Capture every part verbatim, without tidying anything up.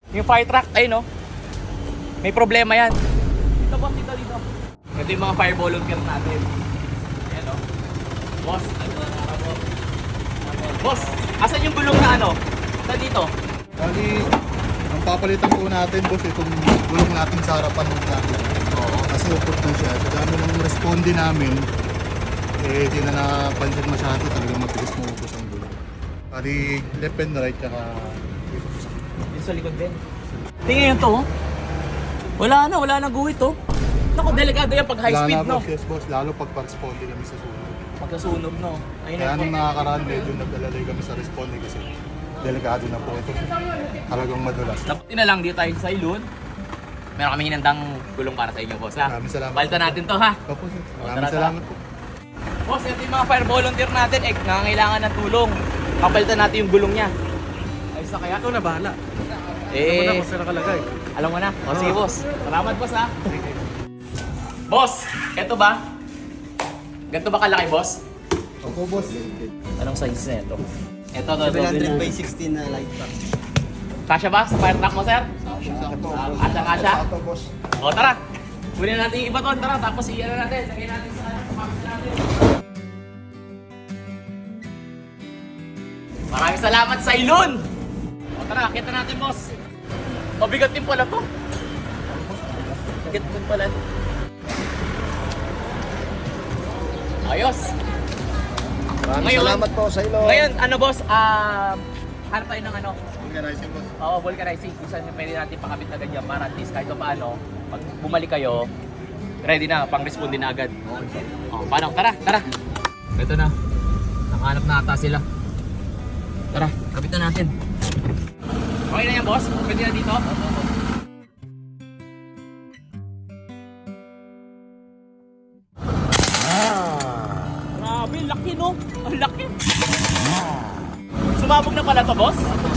Yung fire truck, ayun no. May problema yan. Dito boss, dito, dito. Ito yung mga fire volunteer natin. Ayan no. Boss, ano na ako? Boss, asan yung gulong na ano? Ito dito. Bali, ang papalitan po natin boss, itong gulong natin sa harapan ng trailer. Oo. Kasi upot na siya. Sa dami ng responde namin, eh di na napansin masyado, talagang mabilis mo upos ang gulong. Bali, left and right, tsaka Dito sa likod din. Tingnan yun to. Oh. Wala na, wala na guhit to. Naku, delikado yan pag high wala speed na, no. boss, yes boss, lalo pag pa-responde kami sa sunog. Pagkasunog no. Ayun Kaya na nung nakakaraan, medyo nag-alalay kami sa responde kasi delikado na po ito. Talagang madulas. Dapat na lang dito tayo sa ilun. Meron kami hinandang gulong para sa inyo, boss ha. Maraming salamat. Balta natin to ha. Opo, sir. tara, Maraming tara. salamat po. Boss, ito yung mga fire volunteer natin. Eh, nangangailangan ng tulong. Kapalitan natin yung gulong niya. Ayos na kaya? Ito na bahala. Eh, Alam mo na kung saan nakalagay. alam mo na. O sige, boss. Salamat, boss ha. Boss, eto ba? Ganito ba kalaki, boss? Opo, boss. Anong size na ito? Ito, ito, seven hundred ito. by sixteen na light pack. Kasya ba sa fire truck mo, sir? Kasya, kasya? Ito, boss. O, tara. Kunin natin yung iba to. Tara, tapos iyan na natin. Lagyan natin sa ano, pamit natin. Maraming salamat sa ilon! O, tara, kita natin, boss. O, bigat din pala to. Bigat din pala. Ayos. Maraming Ngayon- salamat po sa ilo. Ngayon, ano, boss? Ah, hanap tayo ng ano? Organizing, boss. Oo, vulcanizing. Kung saan pwede natin pakabit na ganyan para at least kahit pa paano, pag bumalik kayo, ready na, pang-respond din na agad. Oh, paano? Tara, tara. Ito na. Nakahanap na ata sila. Tara, kabit na natin. Okay na yan, boss? Pwede na dito? Grabe, laki no? Ang laki. Sumabog na pala to, boss?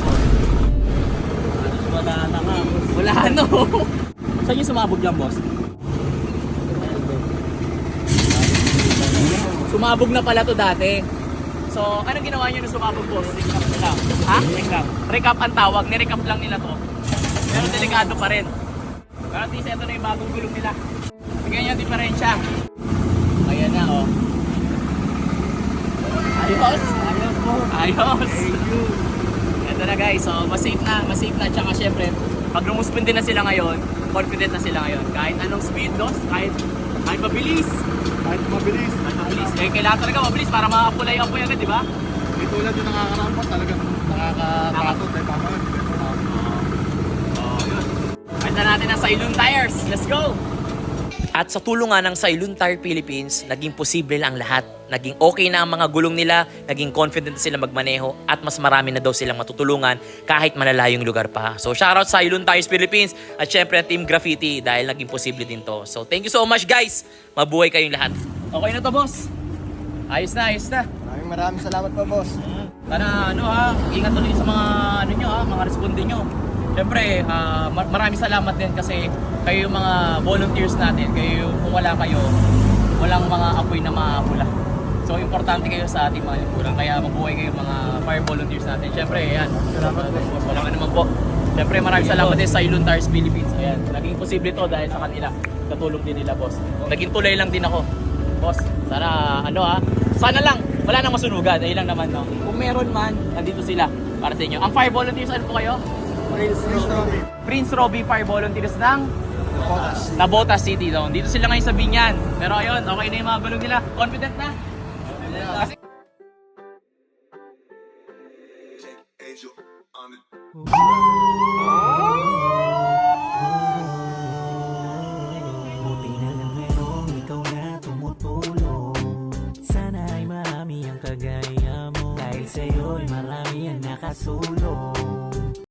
Wala na nga. Wala no. Saan yung sumabog dyan, boss? Sumabog na pala to dati. So, anong ginawa nyo nung sumabog, boss? Recap na lang. Ha? Recap. Recap ang tawag. Nirecap lang nila to. Pero delikado pa rin. Pero at least ito na yung bagong gulong nila. Bigyan nyo yung diferensya. Ayan na, oh. Ayos. Ayos po. Ayos. Thank you. Ito na guys, so mas safe na, mas safe na. Tsaka syempre, pag rumuspindi na sila ngayon, confident na sila ngayon. Kahit anong speed loss, kahit, kahit mabilis. Kahit mabilis. Kahit mabilis. Eh, kailangan talaga mabilis para makapula yung apoy agad, di ba? May tulad yung nakakaraan po, talagang nakakatakot. Eh, tama yun. Oh, yun. Kanta natin ang Sailun Tires. Let's go! At sa tulong nga ng Sailun Tire Philippines, naging posible lang ang lahat. Naging okay na ang mga gulong nila, naging confident sila magmaneho, at mas marami na daw silang matutulungan kahit malalayong lugar pa. So shoutout sa Sailun Tires Philippines at syempre Team Graffiti dahil naging posible din to. So thank you so much guys! Mabuhay kayong lahat. Okay na to boss. Ayos na, ayos na. Maraming maraming salamat po, boss. Sana ano ha, ingat ulit sa mga ano nyo ha, mga responde nyo. Siyempre, ah, mar- maraming salamat din kasi kayo yung mga volunteers natin, kayo yung- kung wala kayo, walang mga apoy na mapula. So importante kayo sa ating mga lipunan, kaya mabuhay kayo mga fire volunteers natin. Siyempre, ayan, salamat po. Walang ano man po. Siyempre, maraming salamat din sa Sailun Tires Philippines. Ayan, naging posible to dahil sa kanila. Katulong din nila, boss. Naging tulay lang din ako. Boss, sana ano ha, sana lang, wala nang masunugan, ayun lang naman no. Kung meron man, nandito sila para sa inyo. Ang fire volunteers, ano po kayo? Prince Robbie. Prince Robbie Fire Volunteers ng Nabotas City doon. Dito sila ngayon sa Binyan. Pero ayun, okay na yung mga gulong nila. Confident na? Kasi Buti na lang merong ikaw na tumutulong. Sana ay marami ang kagaya mo. Dahil sa'yo'y marami ang nakasulong.